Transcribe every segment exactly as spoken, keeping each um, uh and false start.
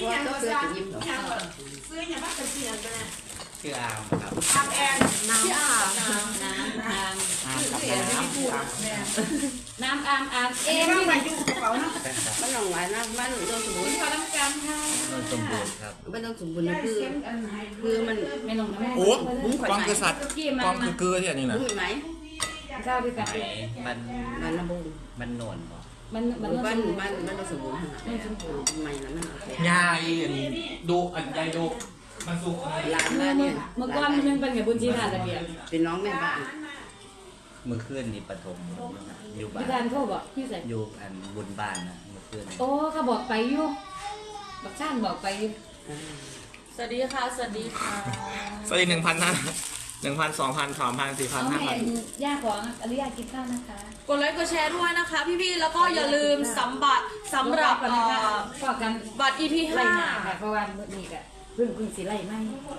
ซื้ออย่างก็ซื้อยิ้มหรอซื้ออย่างมากเป็นเสียงกันนะชื่ออามครับอามแอนน้ำอามน้ำน้ำอามอามกับน้ำน้ำอามอามเอ็มที่มาอยู่กับเขาเนาะมันหลงไหลนะมันโดนสมบูรณ์พอต้องการค่ะโดนสมบูรณ์ครับไม่ต้องสมบูรณ์คือคือมันไม่ลงนะโอ้กองคือสัตว์กองคือเกลือที่อันนี้นะไหมข้าวด้วยกันมันมันระบุมันโนนมันมันมันมันมันสมบูรณ์มันสมบูรณ์ใหม่แล้วมันยายอันนี้ดูอันยายดูมันสุกหลานมาเนี่ยเมื่อก่อนมันยังเป็นกับบุญชีทานระเบียบเป็นน้องแม่บ้านเมื่อคืนนี่ปฐมอยู่บ้านพี่การโทรบอกพี่ใส่อยู่อันบุญบ้านนะเมื่อคืนโอ้เขาบอกไปอยู่บักช่างบอกไปอยู่สวัสดีค่ะสวัสดีค่ะสวัสดีหนึ่งพันนะหนึ่งพันสองพันสามพันสี่พันห้าพันย่าของอริยากินข้าวนะคะกดไลค์กดแชร์ด้วยนะคะพี่ๆแล้วก็อย่าลืมสัมบัติสำหรับบัตร อี พี ห้าค่ะเพราะว่ามื้อนี้ก็เพิ่งเพิ่งสิไล่ไหม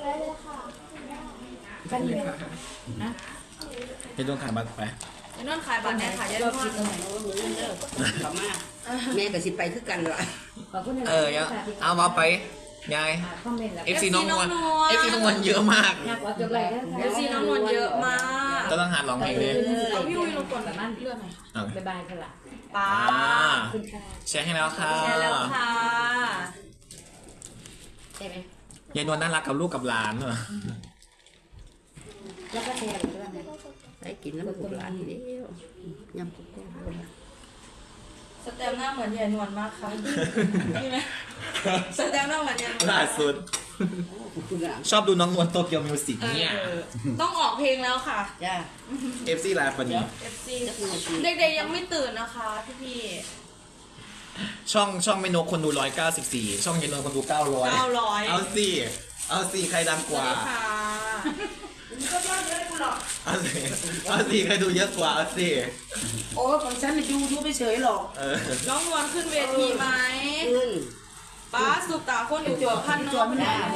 กันนี่นะเห็นต้องขายบัตรไปเห็นต้องขายบัตรแน่ค่ะยายนวลขอบมากแม่กับสิไปคือกันเหรอเออเอามาไปยายเอฟซีน้องนวลเอฟซีน้องนวลเยอะมากเอฟซีน้องนวลเยอะมากก็ต้องหาร้องเพลงเลยเอาพี่วิวลงก่อนแบบนั้นเลื่อนหน่อยค่ะบ๊ายบายค่ะป้าแชร์ให้แล้วค่ะแชร์แล้วค่ะใช่ไหมยายนวลน่ารักกับลูกกับหลานเหรอแล้วก็แชร์ด้วยนะได้กินแล้วมันกุหลาบทีเดียวยำกุ๊กสแตมหน้าเหมือนยายนวลมากค่ะใช่ไหมสแตมหน้าเหมือนยายนวลล่าสุดชอบดูน้องนวลโตเกียวมิวสิกเนี่ยต้องออกเพลงแล้วค่ะจ้าเอฟซีไลฟ์วันนี้เอฟซีเด็กๆยังไม่ตื่นนะคะพี่ๆช่องช่องไม่นกคนดูร้อยเก้าสิบสี่ช่องยายนวลคนดูเก้าร้อยเก้าร้อยเอาสิเอาสิใครดังกว่าก็ยอดเลยคุณหรอกเอาสิเอาสิใครดูเยอะกว่าเอาสิโอ้ของฉันมันดูดูไปเฉยหรอกน้องนวลขึ้นเวทีไหมขึ้นป้าสุตาคนอยู่ตัวพันนวล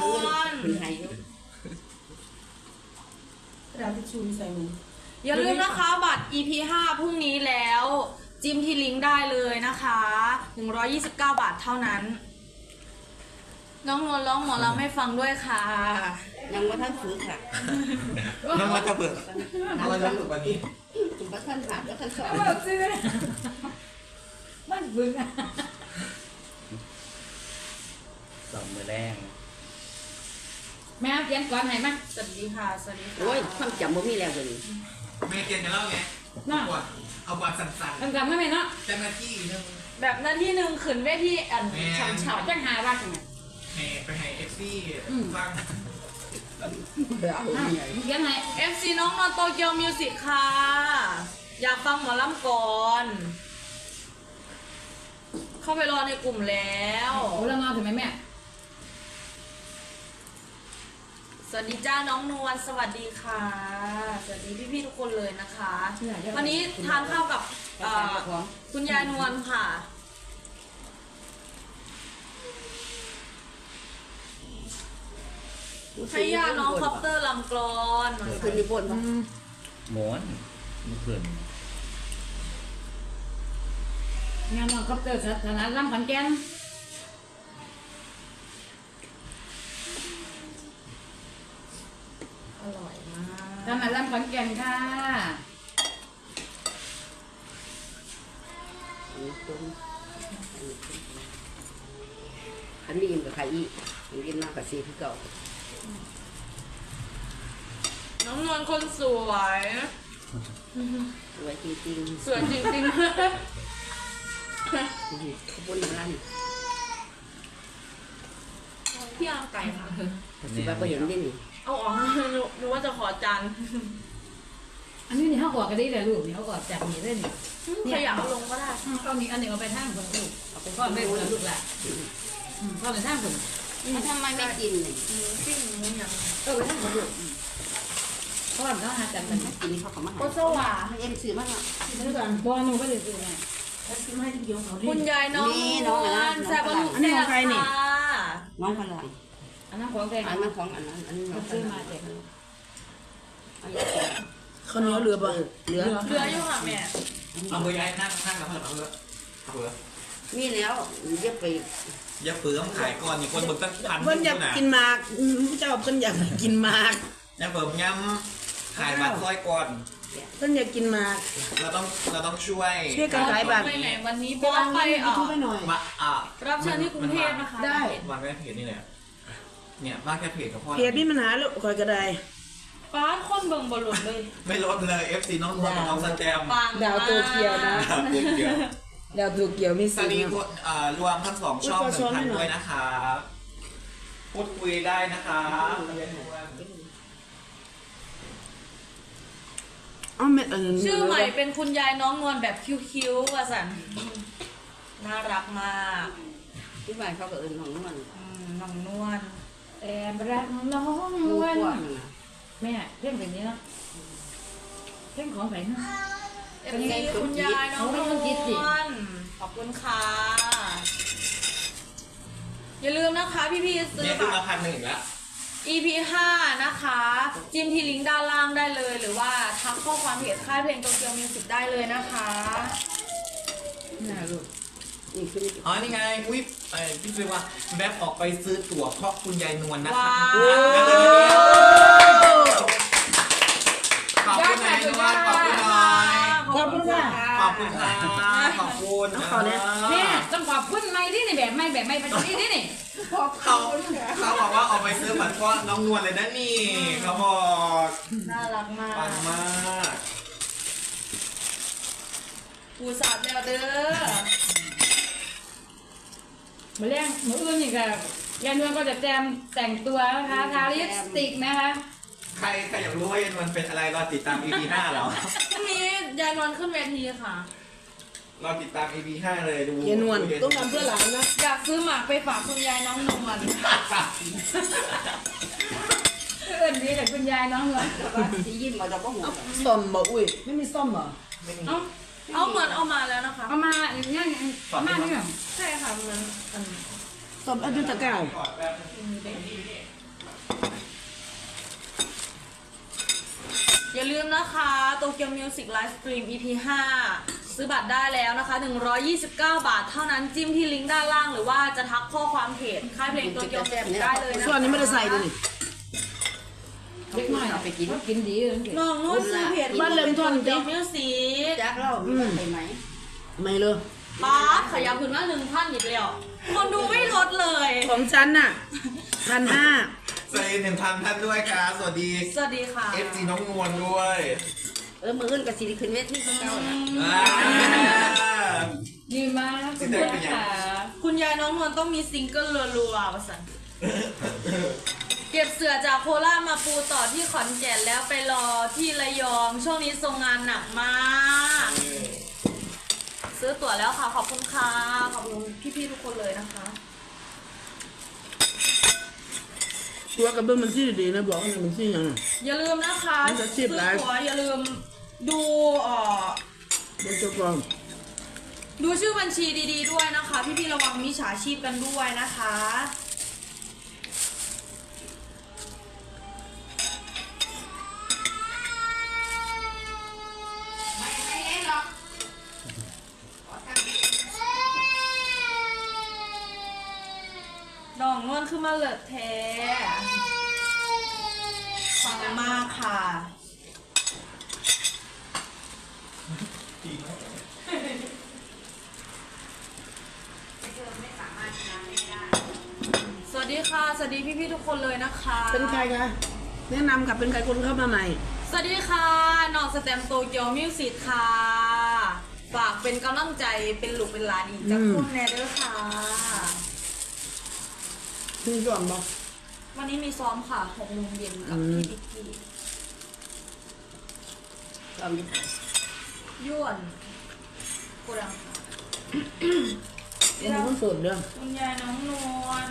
เราที่ชูใส่มืออย่าลืมนะคะบัตร อี พี ห้าพรุ่งนี้แล้วจิ้มที่ลิงก์ได้เลยนะคะหนึ่งร้อยยี่สิบเก้าบาทเท่านั้นน้องนวลร้องหมอลำให้ฟังด้วยค่ะยังว่าท่านฝึกค่ะน้องมาจะเปิดอะไรจะฝึกวันนี้จุ่มว่าท่านหัดแล้วท่านสอนมันฝึกสองมือแรงแม่เขียนก่อนไหนมั้ยสวัสดีค่ะสวัสดีค่ะโอ้ยความจำบ่มีแล้วเลยแม่เขียนจะเล่าไงน่าเอาบอลสั่นๆจำไม่ไหมเนาะแต่หน้าที่นึงแบบหน้าที่หนึ่งขืนเวทีอันฉ่ำๆจังหาว่าไงแม่ไปให้เอฟซีฟังเขียนไหนเอฟ ซี น้องนอนโตเกียวมิวสิกค่ะอยากฟังหมอลำก่อนเข้าไปรอในกลุ่มแล้วโอ้แล้วนอนถึงไหมแม่สวัสดีจ้าน้องนวลสวัสดีค่ะสวัสดีพี่ๆทุกคนเลยนะคะวันนี้ทานข้าวกับคุณยายนวลค่ะให้ยาน้องคอปเตอร์ลำกรอนคืนนี้บนหมอนเมื่อคืนงานน้องคอปเตอร์สถานะลำขอนแก่นอร่อยมากทำมาลำขอนแก่นค่ะอันนี้กับใครอีกกินมากกับซีที่เก่าน้องนวลคนสวยสวยจริงๆสวยจริงๆขบวนร้านพี่เอาไก่ค่ะสิบ้าก็เห็นได้นี่เอาออกรู้ว่าจะขอจานอันนี้นี่เขากอดกันได้เลยลูกนี่เขากอดจับนี่เล่นนี่ขยับเอาลงก็ได้เอานี้อันนี้เอาไปทางคนลูกเอาไปพ่อแม่คนลูกแหละพ่อไปทางคนทำไมไม่กินเลยปิ้งหมูยังเออไปทางคนลูกพ่อเขาหาจับกันกินเขาเขามาโคโซวาเอ็มซื้อมากอ่ะซื้อก่อนพ่อหนูก็เลยซื้อไงคุณยายน้องน้องแซ่บลูกแซ่บค่ะน้องพลังอันนั้นของแพงอันนั้นของอันนั้นอันนี้น้องซื้อมาเจ็บเขาเนื้อเรือบ่เรือเรืออยู่ค่ะแม่เอาเบอร์ย้ายนั่งข้างกับพ่อเอาเบอร์เอาเบอร์มีแล้วเรียกไปอย่าเปลืองขายก่อนนี่คนเบิกตั้งพันเพิ่นอยากกินหมากอืมเจ้าเพิ่นอยากกินหมากอย่าเปลืองย้ำขายบัตรซอยก่อนเพิ่นอยากกินหมากเราต้องเราต้องช่วยช่วยกันขายบัตรไปไหนวันนี้บอสไปเอ่อทุบไปหน่อยมาอ่ะรับเชิญที่กรุงเทพนะคะได้วางแค่เพจนี่แหละเนี่ยวางแค่เพจกับพ่อเพจมีปัญหาลูกคอยก็ได้ป้าคนเบิ่งบอลลูนเลยไม่ลดเลย เอฟ ซี น้องนวลกับน้องสแตมปังดาวโตเกียวนะครับเดียวดาวโตเกียวมีตสิอนทนี้ธิ์กดอ่ารวมทั้งสองช่องหนึ่งพันด้วยนะคะพูดคุยได้นะคะเอ้าเม็ดอันนี้ชื่อใหม่เป็นคุณยายน้องนวลแบบคิ้วๆว่าสันน่ารักมากที่บ้านเขาก็เอิ้นของนวลอืมน้องนวลแอบรักน้องนลูกวลกว้างแม่เพลงแบบนี้เนาะเพลงของไหนนะเอฟซีคุณยายน้องนวลขอบคุณค่ะ อย่าลืมนะคะพี่ๆซื้อเนี่ยคือบัมาตรพันหนึ่งอีกแล้วอี พี ห้า นะคะ จิ้มที่ลิงก์ด้านล่างได้เลย หรือว่าทักข้อความเพจค่ายเพลงโตเกียวมิวสิกได้เลยนะคะน่าลูกนี่คืออ๋อ นี่ไง อุ้ยไอ้พี่ซื้อว่าแวบออกไปซื้อตั๋วเพราะคุณยายนวลนะคะว้าวขอบคุณยายนวลขอบคุณหน่อยขอบคุณค่ะขอบคุณค่ะขอบคุณนะแม่ต้องขอบคุณไม่ที่นี่แบบไม่แบบไม่ไปที่นี่นี่เขาเขาบอกว่าออกไปซื้อบัตรเพราะน้องนวลเลยนะนี่ เขาบอกน่ารักมากปังมากปูสาดแล้วเด้อมาเลี้ยงมืออื่นนี่ค่ะยายนวลก็จะแจมแต่งตัวนะคะทาลิปสติกนะคะใครใครอยากรู้ว่ายายนวลเป็นอะไรรอติดตาม อี พี ห้าเหรอพรุ่งนี้ยายนวลขึ้นเวทีค่ะรอติดตาม อี พี ห้าเลยดูเยนวลต้องทำเพื่อหลานนะอยากซื้อหมากไปฝากคุณยายน้องนวลเอื่นดีแต่คุณยายน้องนวลที่ยิ้มมาจากก็หัวซ่อมบ่อุ้ยไม่มีซ่อมบ่เอ้าเอาเหมือนเอามาแล้วนะคะเอามาอย่างนี้เอามาเนี่ยใช่ค่ะเหมือนอันซ่อมอันยุตะเก้าอย่าลืมนะคะโตเกียวมิวสิกไลฟ์สตรีม อี พี ห้า ซื้อบัตรได้แล้วนะคะ หนึ่งร้อยยี่สิบเก้า บาทเท่านั้นจิ้มที่ลิงก์ด้านล่างหรือว่าจะทักข้อความเพจค่ายเพลงโตเกียวมิวสิกได้เลยนะคะส่วนนี้ไม่ได้ใส่เลยนี่เล็กน้อยเอาไปกินกินดีเลยน้องนุ่นซื้อเพจบ้านเริ่มต้นโตเกีดิยวมิวสิกจักเล่ามีใครไหมไม่เลยป๊าบขยับขึ้นมาหนึ่งพันอีกแล้วคนดูไม่ลดเลยของฉันน่ะพันห้าสวัสดีหนึ่งพันท่านด้วยครับสวัสดีสวัสดีค่ะเอฟ ซี น้องนวลด้วยเออมืออื่นกับสิริขึ้นเวทีคือเก่าน่ะอ่าดีมากคุณยายค่ะคุณยายน้องนวลต้องมีซิงเกิลรัวๆประสันเก็บเสือจากโคราชมาปูต่อที่ขอนแก่นแล้วไปรอที่ระยอง ช่วงนี้ทรงงานหนักมากซื้อตั๋วแล้วค่ะ ขอบคุณค่ะ ขอบคุณพี่ๆทุกคนเลยนะคะตัวกระเบื้องมันที่ดีนะบอกว่ามันที่ยังอย่าลืมนะคะมันจะชีซื้พอไลฟ์ตั๋วอย่าลืมดูเอ่อเดี๋ยวจะกรองดูชื่อบัญชีดีๆด้วยนะคะ พี่ๆระวังมิจฉาชีพกันด้วยนะคะ ดองนวลคือมาเลิศแท้ฟังมากค่ะ สวัสดีค่ะ สวัสดีพี่ๆทุกคนเลยนะคะเป็นใครคะแนะนำกับเป็นใครคนเข้ามาใหม่สวัสดีค่ะน้องสแตมโตเกียวมิวสิกค่ะ ฝากเป็นกำลังใจเป็นลูกเป็นหลานอีกจากอืมคุณแนเด้อค่ะพี่ส่วนบอกวันนี้มีซ้อมค่ะหกโมงเย็นกับอืมพี่บิ๊กกี้เรามีย่วนกูดังค่ะเป็นคนโสดเด้อคุณยายน้องนวล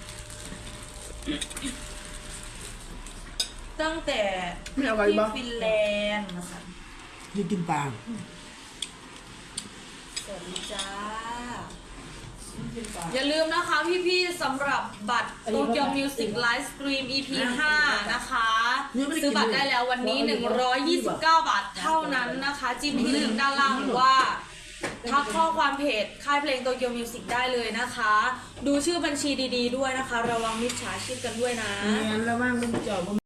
ตั้งแต่ไม่เอาไปที่บ่ฟินแลนด์นะคะที่กินปลาสวัสดีจ้า อย่าลืมนะคะพี่ๆสำหรับบัตรโตเกียวมิวสิกไลฟ์สตรีม อี พี ห้า นะคะ ซื้อบัตรได้แล้ววันนี้ หนึ่งร้อยยี่สิบเก้า บาทเท่านั้นนะคะ จิ้มที่ลิงก์ด้านล่างหรือว่าทักข้อความเพจค่ายเพลงโตเกียวมิวสิกได้เลยนะคะ ดูชื่อบัญชีดีๆด้วยนะคะ ระวังมิจฉาชีพกันด้วยนะงานระว่างเป็นจอบ